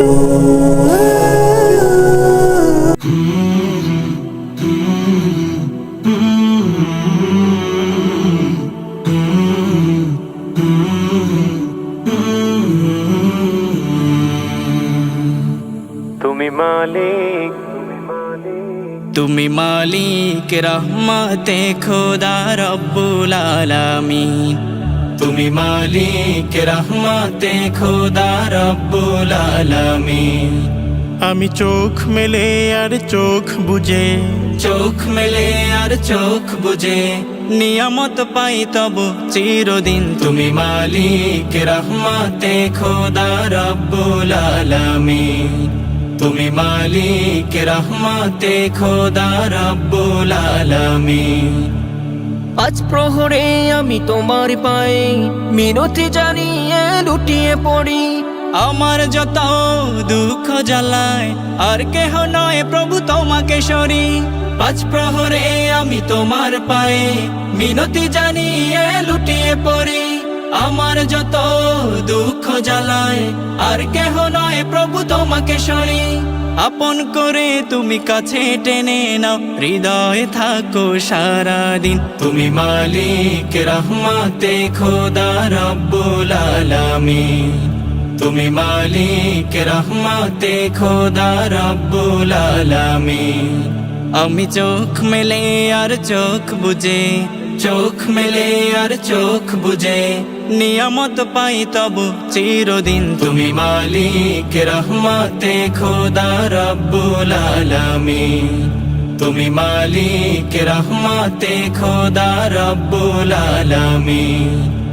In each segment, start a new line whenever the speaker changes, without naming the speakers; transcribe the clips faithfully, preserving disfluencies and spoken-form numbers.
তুমি মালিক,
তুমি মালিক রহমতে খোদা রব্বুল আলামিন। তুমি মালিক রহমতে খোদা রব্বুল আলামিন।
আমি চোখ মেলে আর চোখ বুঝে,
চোখ মেলে আর চোখ বুঝে নিয়ামত পাই তব চিরদিন। তুমি মালিক রহমতে খোদা রব্বুল আলামিন। তুমি মালিক রহমতে খোদা রব্বুল আলামিন।
আজ প্রহরে আমি তোমার পায়ে মিনতি জানিয়ে লুটিয়ে পড়ি।
আমার যত দুঃখ জ্বালায় আর কেহ নয় প্রভু তোমাকে সরি। পাঁচ প্রহরে আমি তোমার পায়ে মিনতি জানিয়ে লুটিয়ে পড়ি। আমার যত দুঃখ জ্বালায় আর কেহ নয় প্রভু তোমাকে সরি। আপন করে তুমি কাছে টেনে নাও, হৃদয়ে থাকো সারাদিন। তুমি মালিক রহমতে খোদা রব্বুল আলামিন। তুমি মালিক রহমতে খোদা রব্বুল আলামিন। আমি চোখ মেলে আর চোখ বুঝে, চোখ মেলে আর চোখ বুঝে নিয়ামত পাই তব চিরদিন। তুমি মালিক রহমতে খোদা রব্বুল আলামিন। তুমি মালিক রহমতে খোদা রব্বুল আলামিন।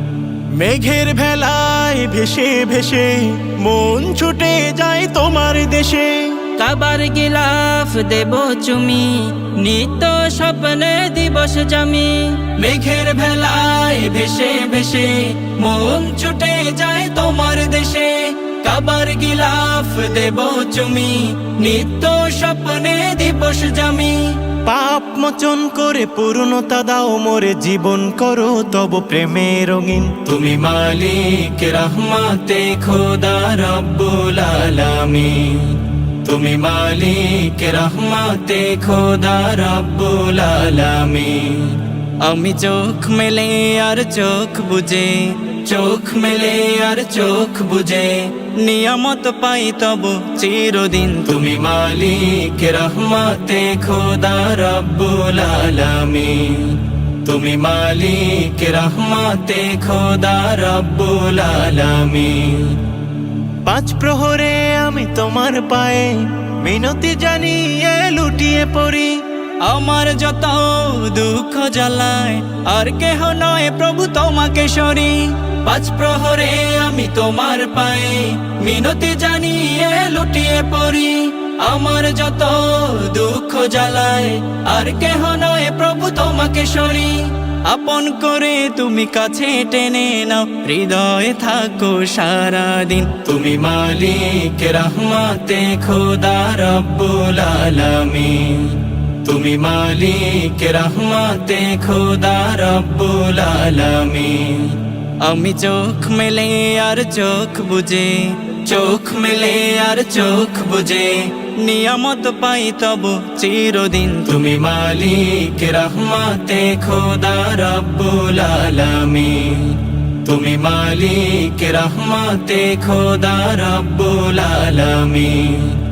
মেঘের ভেলায় ভেসে ভেসে মন ছুটে যায় তোমার দেশে।
কাবার গিলাফ দেব চুমি, নিত্য স্বপ্নে দিবস জামি।
মেঘের ভেলায় ভেসে ভেসে মন ছুটে যায় তোমার দেশে। কাবার গিলাফ দেব চুমি, নিত্য স্বপ্নে দিবস জামি।
পাপ মোচন করে পূর্ণতা দাও মোরে, জীবন করো তব প্রেমে রঙিন।
তুমি মালিক রহমতে খোদা রব্বুল আলামিন। তুমি মালিক রহমতে খোদা রব্বুল আলামিন। আমি চোখ মেলে আর চোখ বুঝে, চোখ মেলে আর চোখ বুঝে নিয়ামত পাই তব চিরদিন। তুমি মালিক রহমতে খোদা রব্বুল আলামিন। তুমি মালিক রহমতে খোদা রব্বুল আলামিন।
পাঁচ প্রহরে আমি তোমার পায়ে মিনতি জানিয়ে লুটিয়ে পড়ি।
আমার যত দুঃখ জ্বালায় আর কেহ নয় প্রভু তোমাকে সরি। পাঁচ প্রহরে আমি তোমার পায়ে মিনতি জানিয়ে লুটিয়ে পড়ি। আমার যত দুঃখ জ্বালায় আর কেহ নয় প্রভু তোমাকে সরি। আপন করে তুমি কাছে টেনে নাও, হৃদয়ে থাকো সারাদিন। তুমি মালিক রহমতে খোদা রব্বুল আলামিন। তুমি মালিক রহমতে খোদা রব্বুল আলামিন। আমি চোখ মেলে আর চোখ বুঝে, চোখ মেলে আর চোখ বুঝে নিয়ামত পাই তব চিরদিন। তুমি মালিক রহমতে খোদা রব্বুল আলামিন। তুমি মালিক রহমতে খোদা রব্বুল আলামিন।